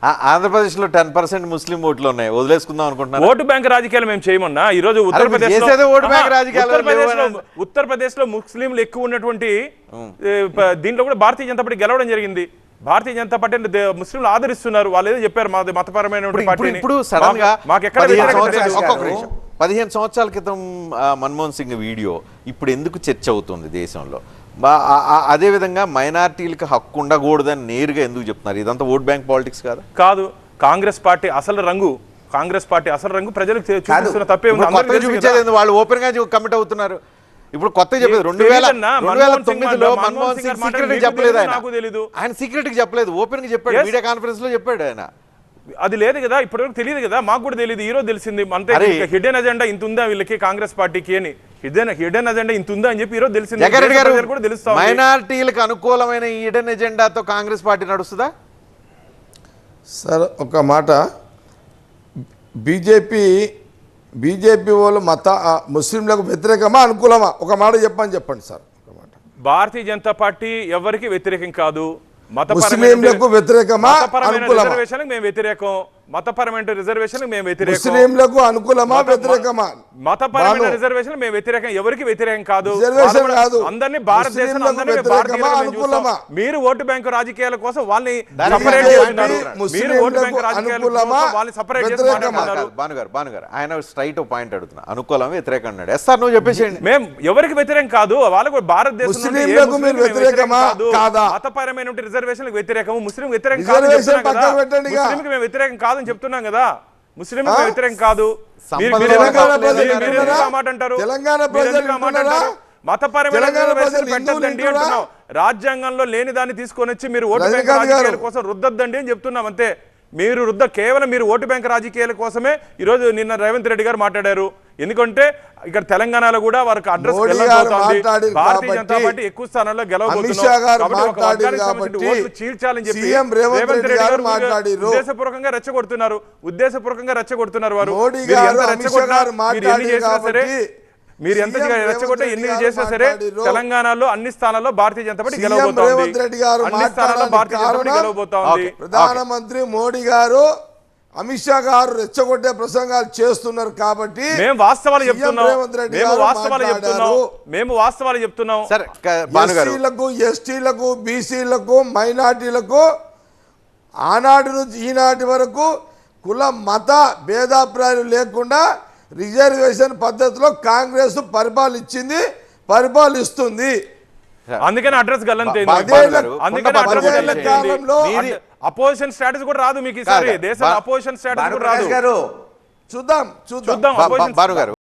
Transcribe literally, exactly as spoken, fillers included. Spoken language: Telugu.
ఆంధ్రప్రదేశ్ లో టెన్ పర్సెంట్ ముస్లిం ఓట్లు ఉన్నాయి, వదిలేసుకుందాం అనుకుంటున్నాను. ఓటు బ్యాంక్ రాజకీయాలు మేము చేయమన్నా. ఈ రోజు ఉత్తరప్రదేశ్ ఉత్తరప్రదేశ్ లో ముస్లింలు ఎక్కువ ఉన్నటువంటి దీంట్లో కూడా భారతీయ జనతా పార్టీ గెలవడం జరిగింది. భారతీయ జనతా పార్టీ ముస్లింలు ఆదరిస్తున్నారు. వాళ్ళు ఏదో చెప్పారు మా మతపరమైన ఇప్పుడు సడన్ గా పదిహేను సంవత్సరాల క్రితం మన్మోహన్ సింగ్ వీడియో ఇప్పుడు ఎందుకు చర్చ అవుతుంది దేశంలో? అదేవిధంగా మైనార్టీలకు హక్కు ఉండకూడదని నేరుగా ఎందుకు చెప్తున్నారు? ఇదంతా ఓట్ బ్యాంక్ పాలిటిక్స్ కాదు కాదు కాంగ్రెస్ పార్టీ అసలు రంగు కాంగ్రెస్ పార్టీ అసలు రంగు ప్రజలకు చూపిస్తున్న తప్పే చూపించేది. వాళ్ళు ఓపెన్ గా కమిట్ అవుతున్నారు. ఇప్పుడు కొత్త చెప్పలేదు రెండు వేల రెండు వేల తొమ్మిదిలో మన్మోహన్ సింగ్ సీక్రెట్ చెప్పలేదు. నాకు తెలీదు, ఆయన సీక్రెట్ కి చెప్పలేదు, ఓపెన్ గా చెప్పాడు, మీడియా కాన్ఫరెన్స్ లో చెప్పాడు. ఆయన అది లేదు కదా, ఇప్పటివరకు తెలియదు కదా, మాకు కూడా తెలియదు, ఈ రోజు తెలిసింది. అంతే హిడెన్ అజెండా ఇంత ఉందా వీళ్ళకి కాంగ్రెస్ పార్టీకి అని, హిడెన్ హిడెన్ అజెండా ఇంత ఉందా అని చెప్పి ఈ రోజు తెలిసింది. మైనారిటీలకు అనుకూలమైన హిడెన్ ఎజెండాతో కాంగ్రెస్ పార్టీ నడుస్తుందా? సార్ ఒక మాట, బీజేపీ బీజేపీ వాళ్ళు మత ముస్లింలకు వ్యతిరేకమా అనుకూలమా? ఒక మాట చెప్పని చెప్పండి సార్. ఒక మాట, భారతీయ జనతా పార్టీ ఎవరికి వ్యతిరేకం కాదు. ముస్లింలకు వ్యతిరేకమా అనుకూలమా? మేము వ్యతిరేకం. మతపరమైన రిజర్వేషన్ మేము వ్యతిరేకం. ముస్లింలకు అనుకూలమా వ్యతిరేకమా? మతపరమైన రిజర్వేషన్ మేము వ్యతిరేకం, ఎవరికి వ్యతిరేకం కాదు. అందరినీ భారతదేశం మీరు ఓటు బ్యాంకు రాజకీయాల కోసం వాళ్ళని సపరేట్ చేస్తున్నారు. మీరు ఓటు బ్యాంకు రాజకీయాల కోసం వాళ్ళని సపరేట్ చేస్తున్నారు. భానుగారు భానుగారు ఆయన స్ట్రైట్ పాయింట్ అడుగుతున్నా, అనుకూలం వ్యతిరేకం అన్నాడు. ఎస్ సార్ నువ్వు చెప్పేసేయండి. మేము ఎవరికి వ్యతిరేకం కాదు, వాళ్ళకు భారతదేశం మతపరమైన రిజర్వేషన్ వ్యతిరేకం, ముస్లిం వ్యతిరేకం కాదు ముస్లింకి మేము వ్యతిరేకం కాదు అని చెప్తున్నాం కదా. ముస్లిం వ్యతిరేకం కాదు. మతపరమైన పెట్టద్దండి అంటున్నాం. రాజ్యాంగంలో లేని దాన్ని తీసుకొని వచ్చి మీరు ఓటు బ్యాంక్ రాజకీయాల కోసం రుద్దద్దండి అని చెప్తున్నాం అంతే. మీరు రుద్ద కేవలం మీరు ఓటు బ్యాంక్ రాజకీయాల కోసమే ఈరోజు నిన్న రేవంత్ రెడ్డి గారు మాట్లాడారు. ఎందుకంటే ఇక్కడ తెలంగాణలో కూడా వారికి అడ్రస్ భారతీయ జనతా పార్టీ ఎక్కువ స్థానాల్లో గెలవబోతున్నారు చీల్చాలని చెప్పి రేవంత్ రెడ్డి గారు ఉద్దేశపూర్వకంగా రెచ్చగొడుతున్నారు. ఉద్దేశపూర్వకంగా రెచ్చగొడుతున్నారు. వారు ఎన్ని చేసినా సరే మీరు ఎంత రెచ్చగొట్టే ఎన్ని చేసినా సరే తెలంగాణలో అన్ని స్థానాల్లో భారతీయ జనతా పార్టీ గెలవబోతోంది. అన్ని స్థానాల్లో భారతీయ జనతా పార్టీ గెలవబోతోంది. ప్రధానమంత్రి మోడీ గారు అమిత్ షా గారు రెచ్చగొట్టే ప్రసంగాలు చేస్తున్నారు కాబట్టి మేము వాస్తవాలు చెప్తున్నాం. మేము వాస్తవాలు చెప్తున్నాం మేము వాస్తవాలు చెప్తున్నాం ఎస్సీలకు ఎస్టీలకు బీసీలకు మైనార్టీలకు ఆనాటి నుంచి ఈనాటి వరకు కుల మత భేదాభిప్రాయాలు లేకుండా రిజర్వేషన్ పద్ధతిలో కాంగ్రెస్ పరిపాలించింది, పరిపాలిస్తుంది. అందుకని అడ్రస్ గల్లంతైంది. అందుకని అడ్రస్ గల్లంతైంది. అపోజిషన్ స్టేటస్ కూడా రాదు మీకు ఈసారి. దేశం అపోజిషన్ స్టేటస్ కూడా రాదు. చూద్దాం చూద్దాం చూద్దాం.